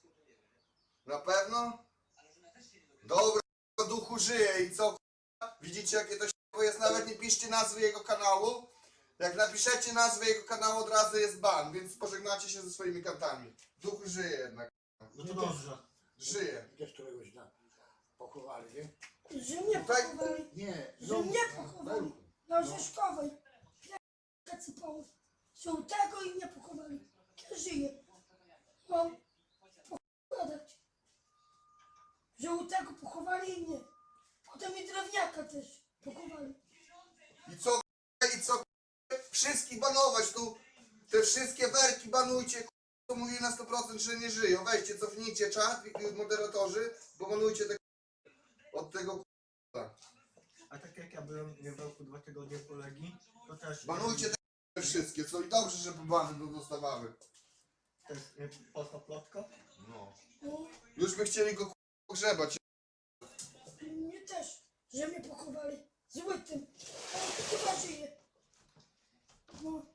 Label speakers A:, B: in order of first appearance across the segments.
A: Na pewno? Dobra, duchu żyje i co? Widzicie jakie to się jest? Nawet nie piszcie nazwy jego kanału. Jak napiszecie nazwę jego kanału, od razu jest ban, więc pożegnacie się ze swoimi kantami. Duch żyje jednak.
B: No to dobrze.
A: Żyje.
C: Też któregoś dnia pochowali, nie?
D: Że mnie
A: Tutaj-
D: pochowali.
C: Nie,
D: Że mnie pochowali. Na Orzeszkowej. Kacypało. Żółtego i mnie pochowali. Ja żyję. Mam pochować. Żółtego pochowali i mnie. Potem i drewniaka też pochowali.
A: I co? I co? Wszystkich banować tu. Te wszystkie werki banujcie. To mówi na 100%, że nie żyją. Weźcie, cofnijcie czat, moderatorzy, bo banujcie te od tego.
B: A tak jak ja byłem w roku 2 tygodnie po Legii, to też...
A: Banujcie te wszystkie, co i dobrze, że bany dostawały.
B: Też polska plotka.
A: No.
D: No,
A: Już by chcieli go pogrzebać.
D: mnie też. Że mnie pochowali. Z łydem. Ale chyba żyje. No.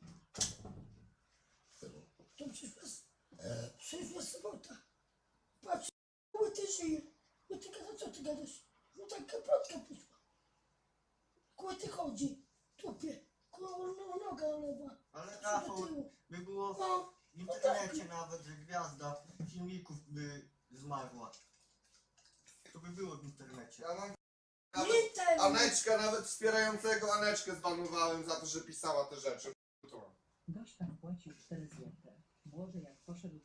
D: To przyszła sobota. Patrz, łyty żyje. Łyty gada, co ty gadasz? No tak plotka poszła. Łyty chodzi. Tupie. Noga lewa.
B: Ale
D: Do
B: Rafał,
D: tyłu.
B: by było
D: No.
B: w internecie nawet, że gwiazda filmików by zmarła. To by było w internecie.
A: Ja mam
D: Nie ten.
A: Aneczka, nawet wspierającego Aneczkę zbanowałem za to, że pisała te rzeczy.
E: Gość tam płacił 4 złote. Młody jak poszedł